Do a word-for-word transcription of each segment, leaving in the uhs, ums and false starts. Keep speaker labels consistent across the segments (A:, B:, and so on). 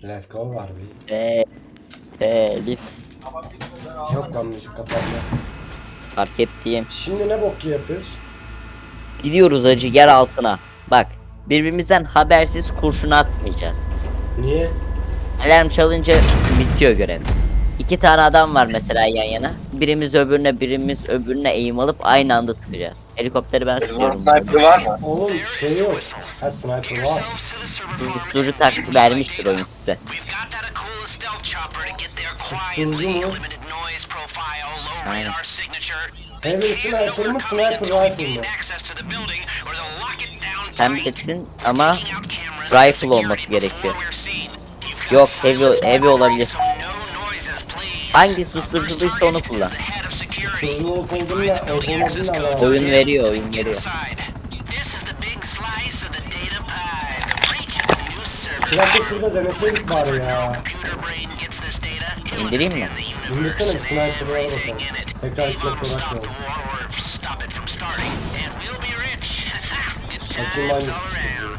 A: Let go var bir.
B: Eee. Telif.
A: Yok lan müzik kapandı.
B: Fark ettiğim.
A: Şimdi ne bok yapıyoruz?
B: Gidiyoruz acı yer altına. Bak. Birbirimizden habersiz kurşun atmayacağız.
A: Niye?
B: Alarm çalınca bitiyor görev. İki tane adam var mesela yan yana. Birimiz öbürüne birimiz öbürüne eğim alıp aynı anda sıkacağız. Helikopteri ben
C: Rıdvan
B: tutuyorum.
C: sniper var mı?
A: Oğlum şey yok. Ha sniper var.
B: Susturucu tak vermiştir oyun size.
A: Susturucu mu?
B: Aynen.
A: Heavy sniper mı sniper rifle mı?
B: Sen bilirsin ama rifle olması gerekiyor. Yok heavy, heavy olabilir. Hangi susturuculuysa onu kullan.
A: Susturucu olup olduğumla olup olmadığımla alakalı.
B: Oyun veriyor, oyun veriyor.
A: İki dakika şurada deneseydik bari ya.
B: İndireyim mi?
A: İndirsene bir sniper'ı al bakalım. Tekrar gitmekle uğraşmayalım. Bakayım hangisi susturucu.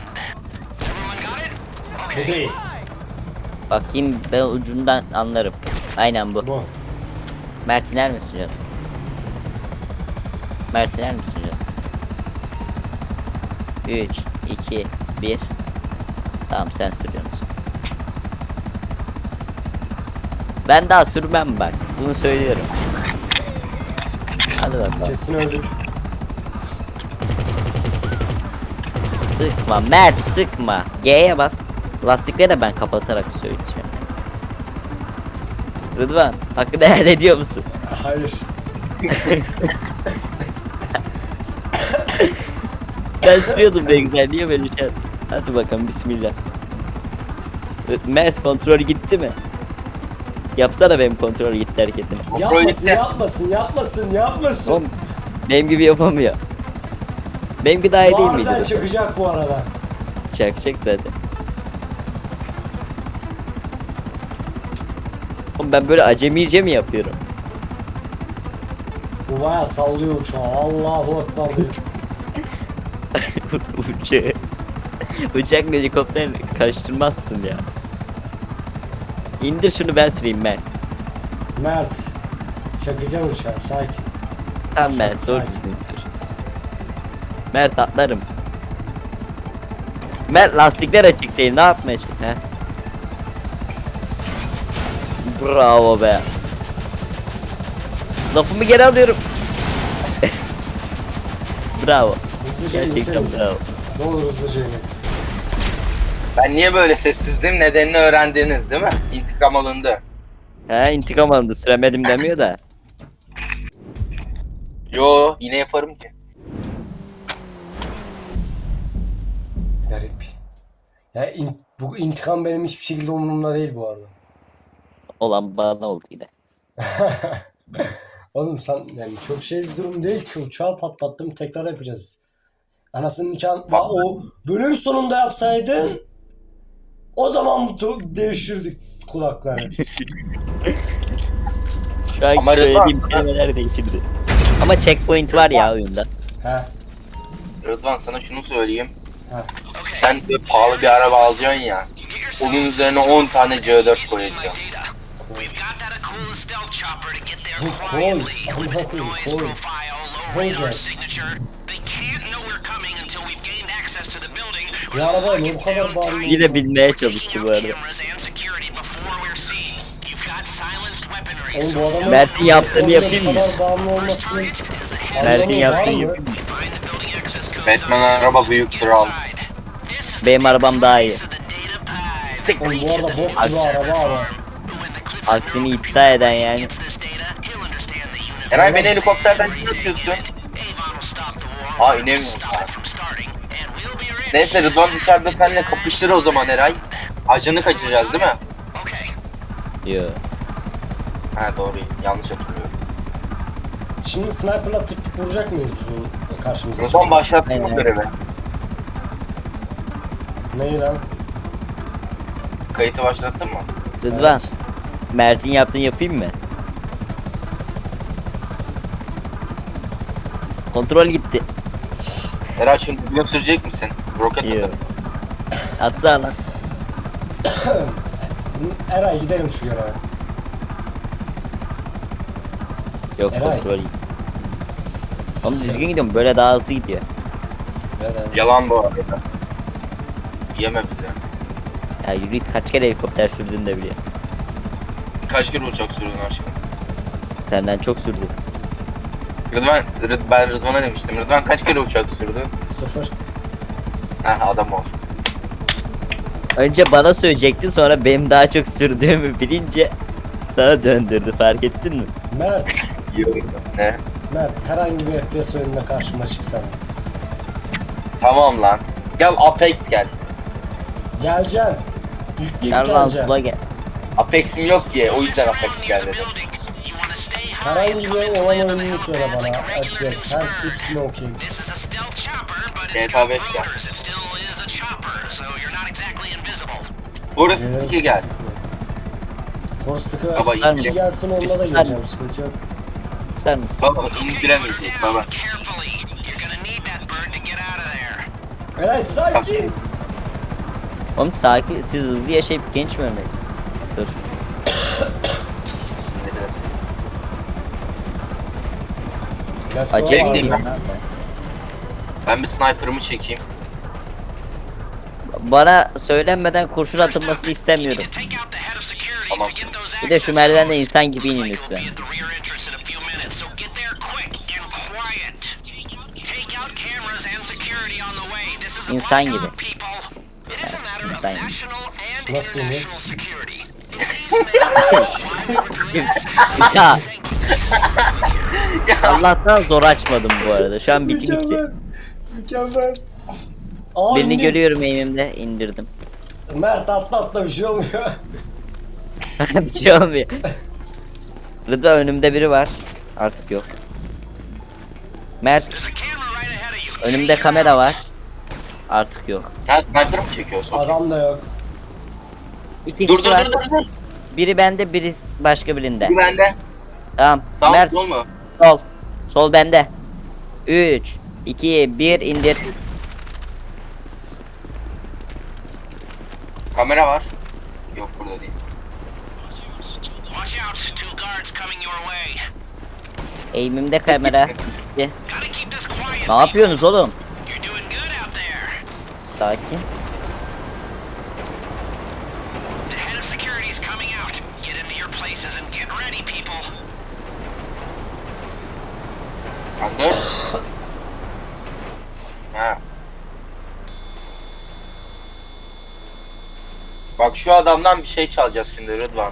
A: Bu değil.
B: Bakayım ben ucundan anlarım. Aynen bu.
A: Bu.
B: Mert iner misin canım? Mert iner misin canım? üç, iki, bir. Tamam sen sürüyorsun. Ben daha sürmem bak. Bunu söylüyorum. Hadi bakalım.
A: Kesin öldük.
B: Sıkma Mert sıkma. G'ye bas. Lastikleri de ben kapatarak söyleyeceğim. Rıdvan hakkı helal ediyor musun?
A: Hayır.
B: Ben sürüyordum ne güzel, niye böyle şey? Hadi bakalım bismillah. Mert kontrol gitti mi? Yapsana benim kontrol gitti hareketini.
A: Yapmasın, yapmasın, yapmasın, yapmasın.
B: Oğlum benim gibi yapamıyor. Benimki daha iyi değil miydi?
A: Harbiden çıkacak bu arada.
B: Çakacak zaten. Oğlum ben böyle acemice mi yapıyorum?
A: Bu bayağı sallıyor uçağı. Allahu Ekber diyor.
B: Uçağı. Uçak ve helikopter karıştırmazsın ya. İndir şunu ben süreyim ben.
A: Mert. Çakacağım uçağı, sakin.
B: Tamam Mert doğru
A: Sakin.
B: düzgün sür. Mert atlarım. Mert lastikler açık değil, ne yapmaya çalışıyorsun he? Bravo be. Lafımı geri alıyorum. Bravo.
A: Hızlıca
B: Gerçekten
A: insenize.
B: bravo.
A: Ne olur hızlıca inin.
C: Ben niye böyle sessizdim nedenini öğrendiniz değil mi? İntikam alındı.
B: He intikam alındı, süremedim demiyor da.
C: Yo yine yaparım ki.
A: Garip. Ya in- bu intikam benim hiçbir şekilde umurumda değil bu arada.
B: Olan bana oldu yine.
A: Oğlum sen yani çok şey bir durum değil ki, uçağı patlattım tekrar yapacağız. Anasının nikahını Bak, o bölüm sonunda yapsaydın o zaman mutlu değiştirdik kulakları.
B: Şu an
C: Ama
B: söylediğim
C: Rıdvan-
B: kelimeler değiştirdi. Ama checkpoint var ya oyunda.
A: He.
C: Rıdvan sana şunu söyleyeyim.
A: He.
C: Sen de pahalı bir araba alacaksın ya. Onun üzerine on tane C dört koyacaksın.
A: Bu koy. Amına koyayım koy. Koyacağız. Bu araba ne bu kadar bağırıyor?
B: Yine bilmeye çalıştı bu arada.
A: Oğlum bu adamın
B: Mert'in yaptığını yapayım mı?
A: bu kadar bağımlı olmasının
B: Mert'in
A: anlamı var
B: yaptığını
A: mı?
B: yapayım mı?
C: Batman araba büyüktür al.
B: Benim arabam daha iyi.
A: Oğlum bu arada bok gibi araba ama.
B: Aksini iddia eden yani.
C: Eray beni helikopterden çıkartıyorsun. Aa inemiyorum. Neyse Rıdvan dışarıda seninle kapıştır o zaman Eray. Ajanı kaçıracağız değil mi?
B: Yo.
C: Ha doğru yanlış hatırlıyorum.
A: Şimdi sniper'la tık tık vuracak mıyız bu karşımıza?
C: Rıdvan başlattın mı
B: Aynen.
C: görevi?
A: Neyi lan?
C: Kayıtı başlattın mı?
B: Rıdvan.
A: Evet.
B: Mert'in yaptığını yapayım mı? Kontrol gitti.
C: Eray şimdi video sürecek misin? Roket
B: Yo.
C: atarım.
B: Atsana lan.
A: Eray gidelim şu göreve.
B: Yok
A: Eray.
B: kontrol iyi. Oğlum düzgün gidiyorum böyle daha hızlı gidiyor.
A: Eray.
C: Yalan bu arada. Yeme bize.
B: Ya yürü git, kaç kere helikopter sürdün de biliyor.
C: Kaç kere uçak sürdün aşkım?
B: Senden çok sürdü.
C: Rıdvan, Rıd, ben Rıdvan'a demiştim. Rıdvan kaç kere uçak sürdü?
A: Sıfır.
C: Heh adam ol.
B: Önce bana söyleyecekti, sonra benim daha çok sürdüğümü bilince sana döndürdü, fark ettin mi?
A: Mert.
C: Ne?
A: Mert herhangi bir F P S oyununa karşıma çıksan.
C: Tamam lan. Gel Apex gel.
A: Geleceksin. Yükleyip
B: Gel lan
A: geleceksin.
B: sula gel.
C: Apex'im yok ki o yüzden Apex gel dedim.
A: Herhangi bir olan oyununu söyle bana. F P S. Her hepsini okuyayım.
C: G T A beş gel. Burası iki gel.
A: Forst'ı
C: Baba,
A: kişi
B: iyi.
A: gelsin onunla da geleceğim. Sıkıntı yok.
B: Sen misin?
C: Baba indiremeyecek baba.
A: Eray sakin.
B: Oğlum sakin, siz hızlı yaşayıp genç mi ölmeyin? Dur.
A: Let's go
B: Acele
A: abi.
B: değil.
C: Ben bir sniper'ımı çekeyim.
B: Bana söylenmeden kurşun atılmasını istemiyorum.
C: Tamam.
B: Bir de şu merdivende insan gibi inin lütfen. İnsan gibi. Evet, insan gibi.
A: Nasıl yine?
B: Ya. Allah'tan zor açmadım bu arada. Şu an bitik bitti.
A: Mükemmel. Mükemmel. Aa,
B: Birini
A: indim.
B: görüyorum elimde, indirdim.
A: Mert atla atla bir şey olmuyor.
B: Bir şey olmuyor. Rıda önümde biri var. Artık yok. Mert önümde kamera var. Artık yok.
C: Ha sniper mı çekiyorsun?
A: Adam da yok.
B: İki
C: Dur
B: kişi
C: dur
B: var.
C: dur dur dur.
B: Biri bende, biri başka birinde.
C: Bir bende.
B: Tamam.
C: Sağ
B: Mert
C: sol mu?
B: sol. Sol bende. üç iki bir indir.
C: Kamera var. Yok burada değil.
B: Eğimimde kamera. Gitti. Ne yapıyorsunuz oğlum? Sakin.
C: Bende. Ha. Bak şu adamdan bir şey çalacağız şimdi Rıdvan.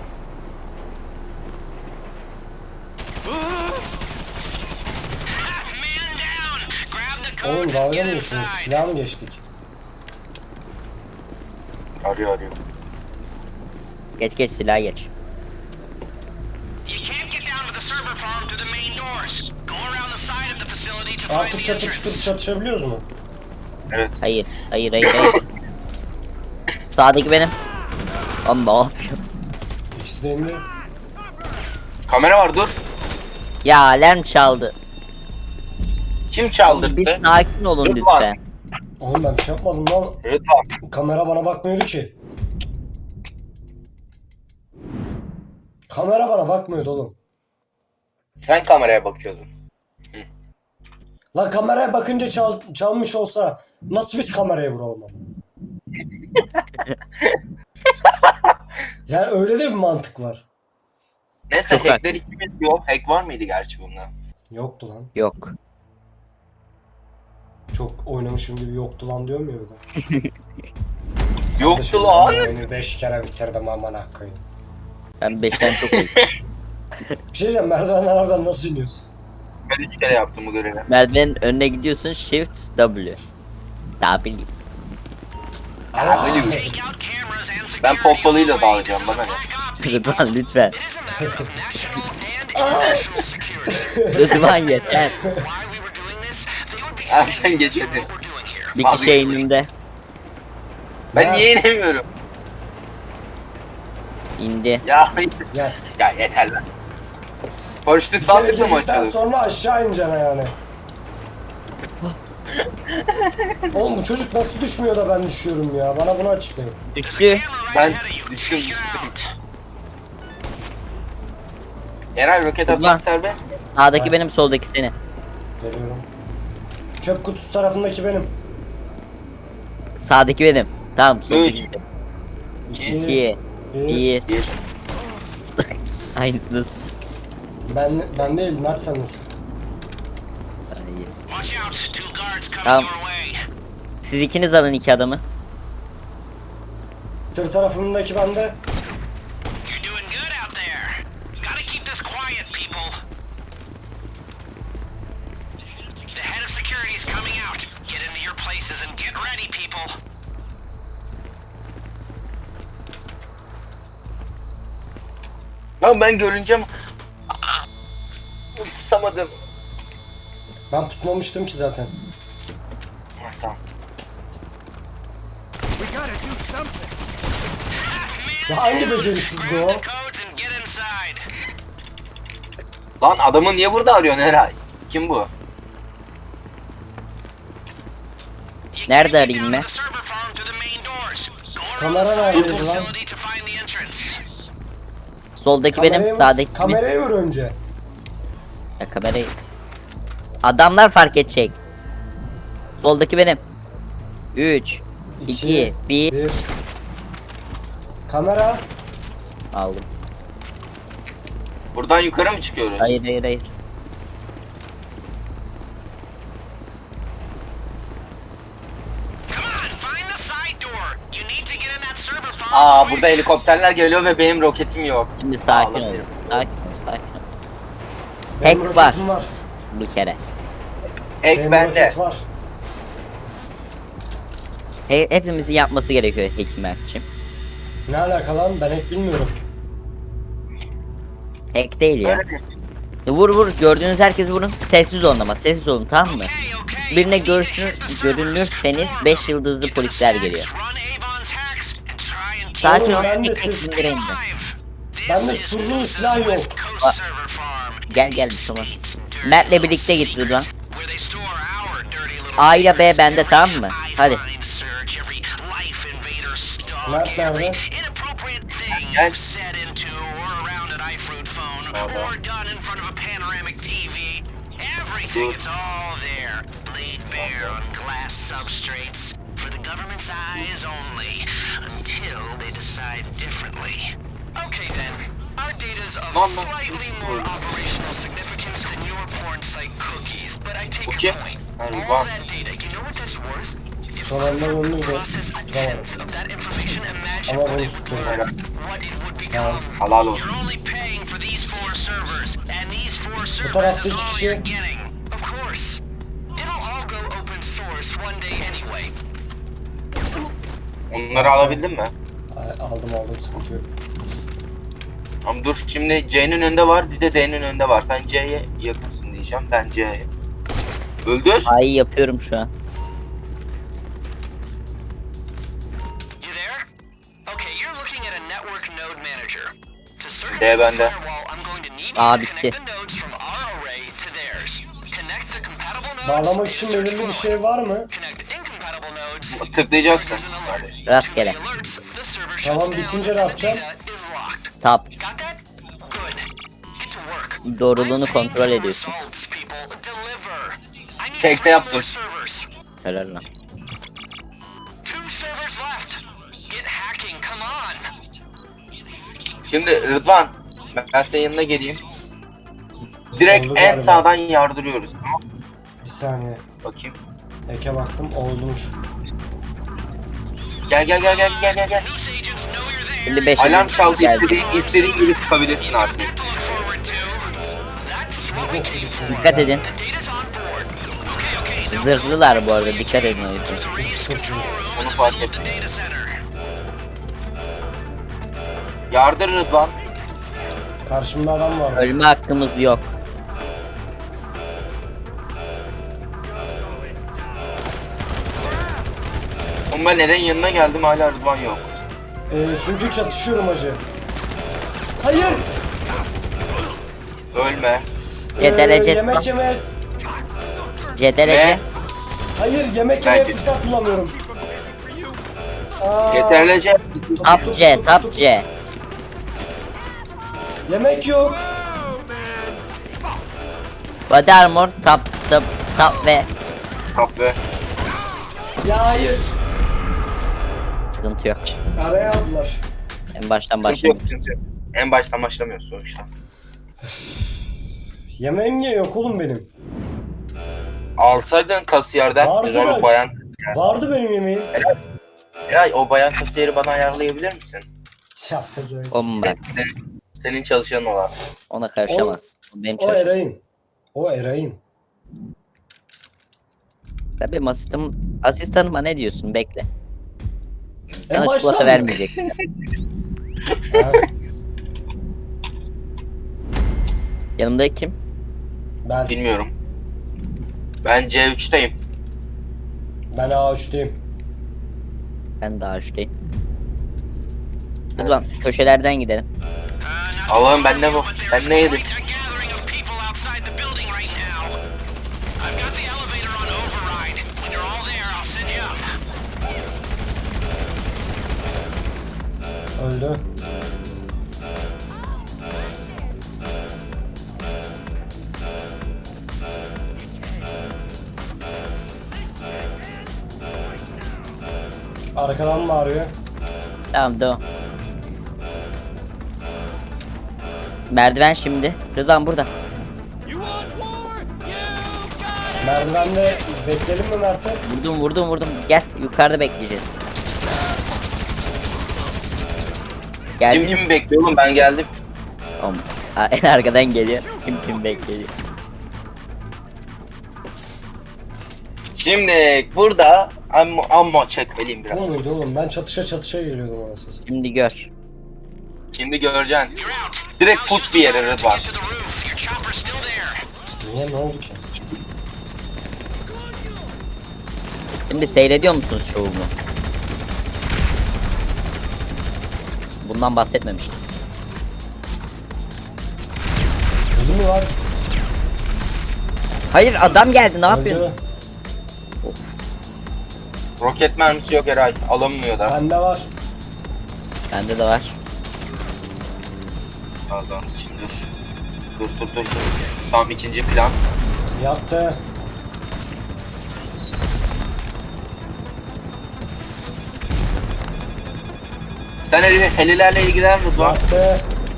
A: Oğlum dalga mı geçiyorsunuz? Silah mı geçtik?
C: Arıyor arıyor.
B: Geç geç silah geç.
A: Artık çatır çutur çatışabiliyoruz mu?
C: Evet.
B: Hayır. Hayır hayır hayır. Sağdaki benim. Lan ne yapıyor?
A: İkisi de indi.
C: Kamera var dur.
B: Ya alarm çaldı.
C: Kim
B: Bir
C: çaldırdı?
B: sakin olun
C: Rıdvan.
B: lütfen.
A: Oğlum ben bir şey yapmadım lan.
C: Rıdvan.
A: Kamera bana bakmıyordu ki. Kamera bana bakmıyordu oğlum.
C: Sen kameraya bakıyordun.
A: Lan kameraya bakınca çal, çalmış olsa nasıl biz kameraya vuralım? Yani öyle de bir mantık var.
C: Neyse
B: Çok
C: hackler ikimiz yok. Hack var mıydı gerçi bunda?
A: Yoktu lan.
B: Yok.
A: Çok oynamışım gibi yoktu lan diyorum ya burada.
C: Yoktu lan.
A: Oyunu beş kere bitirdim aman koyayım.
B: Ben beşten çok iyi.
A: Bir şey diyeceğim, merdivenlerden nasıl iniyorsun?
C: Ben üç kere yaptım bu görevi.
B: Merdivenin önüne gidiyorsun, shift W. W.
C: Ha, öyle mi? Ben pompalıyla dağılacağım bana ne?
B: Rıdvan lütfen. Rıdvan yeter.
C: Ha, sen geçedin.
B: Bir kişi eğimimde.
C: Ben niye inemiyorum?
B: İndi.
C: Ya hayır.
A: Yes.
C: Ya yeter lan. Paraşütü
A: Bir
C: sağ
A: kere
C: tıkla mı
A: girdikten
C: açalım?
A: sonra aşağı ineceksin yani. Oğlum bu çocuk nasıl düşmüyor da ben düşüyorum ya? Bana bunu açıklayın.
B: Düştü.
C: Ben Düştüm düştüm. Eray roket
B: Ulan.
C: atmak serbest mi?
B: Sağdaki
A: Ay.
B: benim, soldaki senin.
A: Geliyorum. Çöp kutusu tarafındaki benim.
B: Sağdaki benim. Tamam, soldaki
C: Üç.
B: benim.
A: İki.
B: İki.
A: Bir.
B: Bir.
C: Bir.
B: Aynısınız.
A: Ben, ben değil. Mert sen nasıl?
B: Hayır.
D: Watch out, two guards coming
B: Tamam.
D: your way.
B: Siz ikiniz alın iki adamı.
A: Tır tarafındaki bende.
D: You're doing good out there. Gotta keep this quiet, people. The head of security is coming out. Get into your places and get ready, people.
C: Lan ben görünce mi? Pusamadım.
A: Ben pusmamıştım ki zaten.
C: Ha, tamam.
A: Ya hangi beceriksizdi o?
D: The codes and get inside.
C: Lan adamı niye burada arıyorsun Eray? Kim bu?
D: You
B: Nerede
D: can't get
B: arayayım
D: down
B: ben?
D: to the server farm through the main doors. Go
A: kamera
D: around the side of the
A: neredeydi lan?
D: facility to find the entrance.
B: Soldaki benim,
A: Kamerayı-
B: sağdaki benim.
A: Kamerayı vur önce.
B: Ya kamerayı. Adamlar fark edecek. Soldaki benim. üç, iki, bir.
A: bir. Kamera.
B: Aldım.
C: Buradan yukarı mı çıkıyoruz?
B: Hayır hayır hayır.
D: Come on, find the side door. You need to get in that server farm.
C: Aa
D: quick.
C: burada helikopterler geliyor ve benim roketim yok.
B: Şimdi sakin ol.
C: Ağlamıyorum.
B: Sakin ol, sakin ol.
A: Benim
B: Hack var.
A: roketim var.
B: Bu kere.
C: Ek
A: Benim
C: bende.
A: roket var.
B: He, hepimizin yapması gerekiyor Hekim Erkçim.
A: Ne alaka lan? Ben hep bilmiyorum.
B: Hack değil ya.
C: Öyle mi?
B: Vur vur, gördüğünüz herkes vurun. Sessiz olun ama, sessiz olun, tamam mı?
D: Okay, okay.
B: Birine
D: You need to
B: görsün,
D: access the servers.
B: görünürseniz beş yıldızlı
D: Get the
B: polisler
D: facts,
B: geliyor.
D: run Avon's hacks, and try and
B: Sakin
D: keep
B: ol,
A: ben de
B: tek tek
A: siz-
B: indireyim de.
D: alive.
A: Bende
D: This is
A: sürü
D: Newton's
A: silah yok.
D: West Coast
B: Aa,
D: server farm.
B: Gel gel bir tamam. Mert'le birlikte git Rıdvan.
D: Where they store our dirty little
B: A ile B
D: secrets.
B: bende,
D: Every
B: tamam mı? Hadi.
D: iFind search, every life invader stalk,
A: Mert nerede?
D: every inappropriate thing
C: Gel.
D: you've said into or around an iFruit phone or done in front of a panoramic T V. Everything, it's all there. Laid bare on glass substrates for the government's eyes only until they decide differently. Okay then. Our data's of
C: Lan lan.
D: slightly more operational significance than your porn site cookies, but I take
C: Okay.
D: your point.
C: Hadi
D: All
C: bak.
D: that data, you know what that's worth? If
A: Son
D: we
A: anda
D: were
A: döndüm
D: to
A: de
D: process a
A: tutamadım.
D: tenth of that information, imagine
A: Ama
D: what
A: bunu
D: it would
A: tuttum.
D: learn, what it would become.
C: Halal olsun.
D: You're only paying for these four servers, and these four servers
A: tarafta
D: is
A: iki
D: all
A: kişi.
D: you're getting. Of course. It'll all go open source one day anyway.
C: Onları alabildin mi?
A: Ay, aldım aldım, sıkıntı yok.
C: Ama dur şimdi C'nin önünde var bir de D'nin önünde var. Sen C'ye yakınsın diyeceğim. Ben C'ye. Öldür.
B: Ay yapıyorum şu an.
D: You there? Okay, you're looking at a network node manager. To circumvent
C: D
D: the
C: bende.
D: firewall, I'm going to need
B: Aa,
D: you to
B: bitti.
D: connect the nodes from our array to theirs. Connect the compatible nodes
A: Bağlamak
D: in
A: için
D: search
A: belirli bir
D: forward.
A: şey var mı?
D: Connect incompatible nodes.
C: Tıklayacaksın.
D: triggers an alert.
B: Rastgele.
D: Too many alerts, the server
A: Tamam,
D: shuts down
A: bitince
D: and
A: ne
D: the
A: yapacağım?
D: data is locked.
B: Tap.
D: Got that? Good. Get to work.
B: Doğruluğunu
D: I'm paying
B: kontrol
D: for
B: ediyorsun.
D: results, people. Deliver. I need
C: Tekte
D: three
C: yaptım.
D: more servers.
B: Helal lan.
D: Two servers left. Get hacking, come on.
C: Şimdi Rıdvan ben ben senin yanına geleyim. Direkt
A: Oldu
C: en
A: galiba.
C: sağdan yardırıyoruz. Tamam.
A: Bir saniye.
C: Bakayım.
A: Eke baktım, olmuş.
C: Gel gel gel gel gel gel gel.
D: News agents know you're there.
B: elli beş
C: Alarm çaldı,
B: geldi.
C: istediğin, istediğin gibi çıkabilirsin artık.
D: To look forward to. That's what we came for.
B: Dikkat edin.
D: The data's on board. Okay, okay. Now
B: Zırhlılar bu arada, dikkat edin o yüzden.
D: raise control room
C: Onu
D: and
C: fark
D: move
C: ettim.
D: the data center.
C: Yardır Rıdvan.
A: Karşımda adam var.
B: Ölme hakkımız yok.
C: Oğlum ben Eren yanına geldim hala Rıdvan yok.
A: Ee, çünkü çatışıyorum hacı. Hayır!
C: Ölme.
B: Cedelece.
A: Ee, yemek yemez.
B: Cedelece.
C: Ne?
A: Hayır, yemek
C: Ben-
A: yemeye fırsat bulamıyorum. Aa,
C: Yeterlice.
B: Tap C, tap C.
A: yemek yok.
B: Body armor, tap, tap, tap ve
C: Kapı.
A: Ya hayır.
B: sıkıntı yok.
A: Araya aldılar.
B: En baştan
C: Sıkıntı yok,
B: başlayalım.
C: sıkıntı yok. En baştan başlamıyoruz sonuçta.
A: Yemeğim niye yok oğlum benim?
C: Alsaydın kasiyerden
A: Vardı
C: güzel
A: da-
C: o bayan.
A: Vardı benim yemeğim.
C: Eray o bayan kasiyeri bana ayarlayabilir misin?
A: Şapkası öyle.
B: Oğlum bak,
C: Senin, senin çalışanın olan.
B: ona karışamaz. O benim
A: O
B: çalışım.
A: Eray'ın. O Eray'ın.
B: Sen benim asistanım, asistanıma ne diyorsun? Bekle.
A: En
B: Sana
A: baştan
B: çikolata
A: mı?
B: vermeyecek.
A: Ha,
B: Yanımda kim?
A: ben.
C: Bilmiyorum. Ben C üç'teyim.
A: Ben A üç'teyim.
B: Ben daha üçteyim. Hadi lan köşelerden gidelim.
C: Allah'ım ben ne bu? Ben ne yedim?
D: Quite a gathering of people outside the building right now. I've got the elevator on override. When you're all there, I'll send you up.
A: Öldü. Arkadan bağırıyor.
B: Tamam devam. Merdiven şimdi. Rıdvan burada.
A: Merdivende bekleyelim mi Mert'e?
B: Vurdum vurdum vurdum. Gel yukarıda bekleyeceğiz.
C: Kim
B: Geldi.
C: kimi bekliyor oğlum, ben geldim.
B: Oğlum, a- en arkadan geliyor. Kim kim bekliyor.
C: Şimdi burada ammo, ammo çekmeliyim biraz.
A: O muydu oğlum? Ben çatışa çatışa geliyordum anasını satayım.
B: Şimdi gör.
C: Şimdi göreceksin.
D: You're out.
C: Direkt pus bir yere Rıdvan.
D: Get to the roof. Your chopper's still there.
A: Niye, ne oldu ki?
B: Şimdi seyrediyor musunuz şovumu? Bundan bahsetmemiştim.
A: Öldü mü var?
B: Hayır adam geldi ne yapıyorsun?
A: Öldü.
C: Roket mermisi yok Eray. Alınmıyor da.
A: Bende var.
B: Bende de var.
C: Ağzına sıçayım, dur. Dur dur dur dur. Tamam, ikinci plan.
A: Yattı.
C: Sen heli, helilerle ilgilen Rıdvan.
A: Yattı.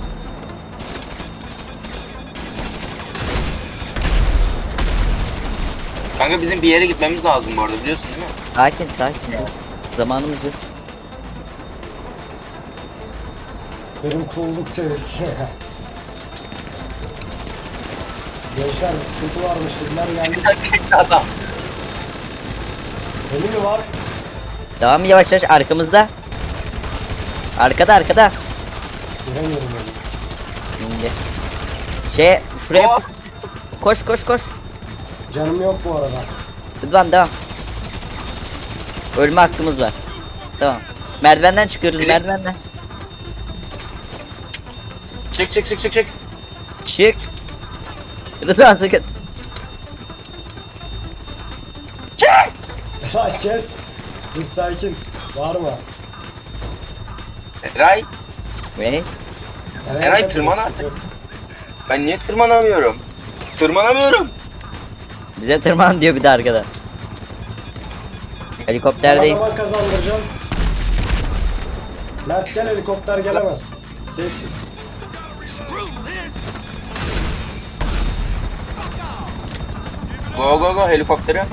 C: Kanka bizim bir yere gitmemiz lazım bu arada, biliyorsun değil mi?
B: Sakin sakin. dur. Zamanımız yok.
A: Benim cool'luk seviyesi. Gençler bir sıkıntı varmış dediler geldik.
C: Çekti adam.
A: Beni mi var?
B: Devam yavaş yavaş arkamızda. Arkada arkada.
A: Göremiyorum onu.
B: Şimdi. Şey şuraya
C: Oh.
B: koş koş koş.
A: Canım yok bu arada.
B: Rıdvan devam. Ölme hakkımız var. Tamam. Merdivenden çıkıyoruz
C: Biri-
B: merdivenden.
C: Çık çık çık çık çık.
B: Çık. Rıdvan sakın.
A: Lan kes. Dur sakin. Var mı?
C: Eray,
B: Ve
C: Eray,
A: yapıyorsun?
C: tırman artık. ben niye tırmanamıyorum? Tırmanamıyorum.
B: bize tırman diyor bir de arkada.
A: Sana
B: Helikopterdeyim.
A: zaman kazandıracağım. Mert gel, helikopter gelemez. Safe'sin.
C: Go go go helikoptere.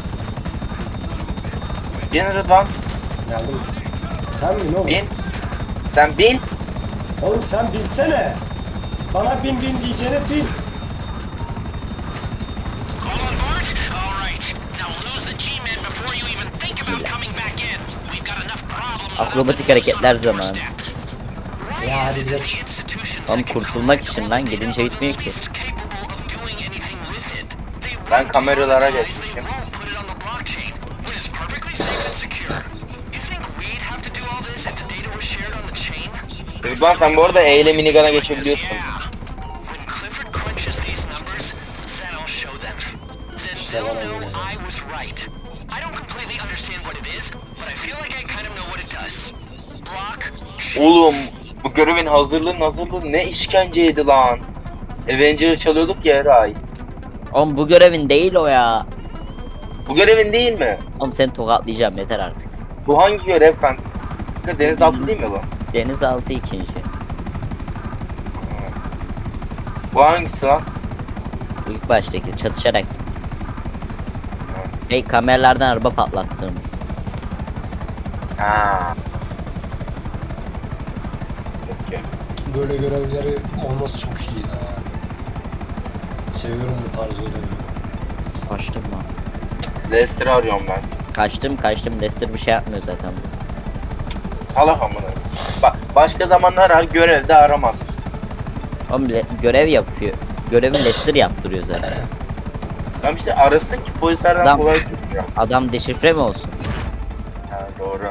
C: Bin Rıdvan,
A: Geldim. Sen bin oğlum.
C: bin. Sen bin.
A: Oğlum sen binsene. Bana bin bin diyeceğine bin.
D: All on board? All right. Now lose the G-men before you even think about coming back in. We've got enough problems without
B: Akrobatik
D: the
B: hareketler
D: usual
B: zamanı.
D: first step.
A: Ya hadi gidelim.
D: The institutions
B: Oğlum
D: that control
B: kurtulmak
D: the
B: için lan gidince bitmiyor ki.
D: is capable of doing anything with it. They
C: Ben
D: won't
C: kameralara
D: monetize,
C: geçmişim.
D: They won't put it on the blockchain, when it's perfectly safe and secure. You think we'd have to do all this if the data was shared on the chain?
C: Rıdvan sen bu arada E ile minigana geçebiliyorsun.
D: Yeah. When Clifford crunches these numbers, then I'll show them. Then they'll know I was right. I don't completely understand what it is, but I feel like I kind of know what it does. us. Block.
C: Oğlum bu görevin hazırlığın hazırlığı ne işkenceydi lan. Avenger'ı çalıyorduk ya her ay.
B: Oğlum bu görevin değil o ya.
C: Bu görevin değil mi?
B: Oğlum seni tokatlayacağım yeter artık.
C: Bu hangi görev kanka? Denizaltı değil mi bu?
B: Denizaltı ikinci.
C: Bu hangisi lan?
B: İlk baştaki çatışarak. Hey kameralardan araba patlattığımız.
C: Ha. Okey.
A: Böyle görevleri olması çok iyi ya. Seviyorum bu tarz görevleri.
B: Kaçtım lan.
C: Lester'ı arıyorum ben.
B: Kaçtım kaçtım. Lester bir şey yapmıyor zaten.
C: Salak amına. Bak başka zamanlar her görevde aramaz.
B: Oğlum le- görev yapıyor. Görevin Lester yaptırıyor zaten.
C: Tamam işte arasın ki polislerden
B: Adam-
C: kolay tutmuyor.
B: Adam deşifre mi olsun?
C: Ha doğru.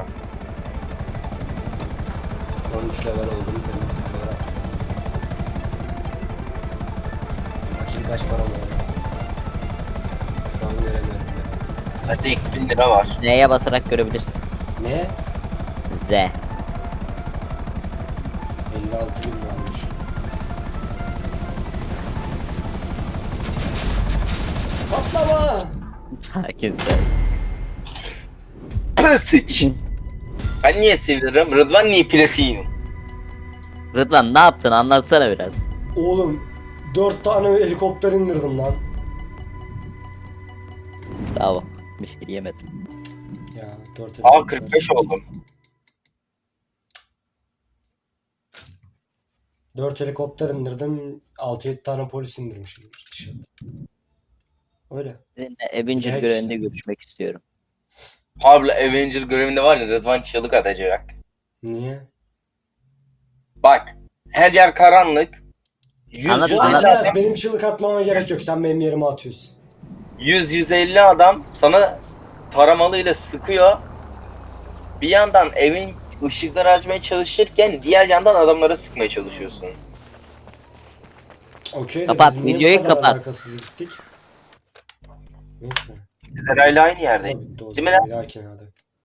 A: on üç level oldum benim sıfıra. Bakayım kaç param var. Şu an göremiyorum.
C: Zaten iki bin lira var.
B: N'ye basarak görebilirsin.
A: Ne?
B: Z.
A: elli altı bin varmış. Patlama!
B: Sakin sen.
C: Sıç. Ben niye seviyorum? Rıdvan niye platiyim?
B: Rıdvan ne yaptın anlatsana biraz.
A: Oğlum dört tane helikopter indirdim lan.
B: Tamam. Bir şey diyemedim.
A: Ya dört
C: Aa
A: helikopter.
C: kırk beş oldum.
A: dört helikopter indirdim. altı yedi tane polis indirmişim dışarı. Öyle.
B: Seninle Avenger
A: Direkt
B: görevinde
A: işte.
B: görüşmek istiyorum.
C: Pablo Avenger görevinde var ya Rıdvan çığlık atacak.
A: Niye?
C: Bak her yer karanlık. yüz
B: Anlat,
C: yüz
A: Bu
C: elli
B: anlat.
A: arada
C: adam,
A: benim çığlık atmama gerek yok. Sen benim yerime atıyorsun.
C: yüz yüz elli adam sana taramalıyla sıkıyor. Bir yandan evin ışıkları açmaya çalışırken diğer yandan adamlara sıkmaya çalışıyorsun.
A: Okey de
B: Kapat,
A: biz niye bu
B: videoyu
A: kadar
B: kapat.
A: alakasız gittik? Neyse.
C: Herhalde aynı yerdeyiz.
A: Hadi o
C: Değil mi
A: zaman
C: lan?
A: bir dahakine hadi.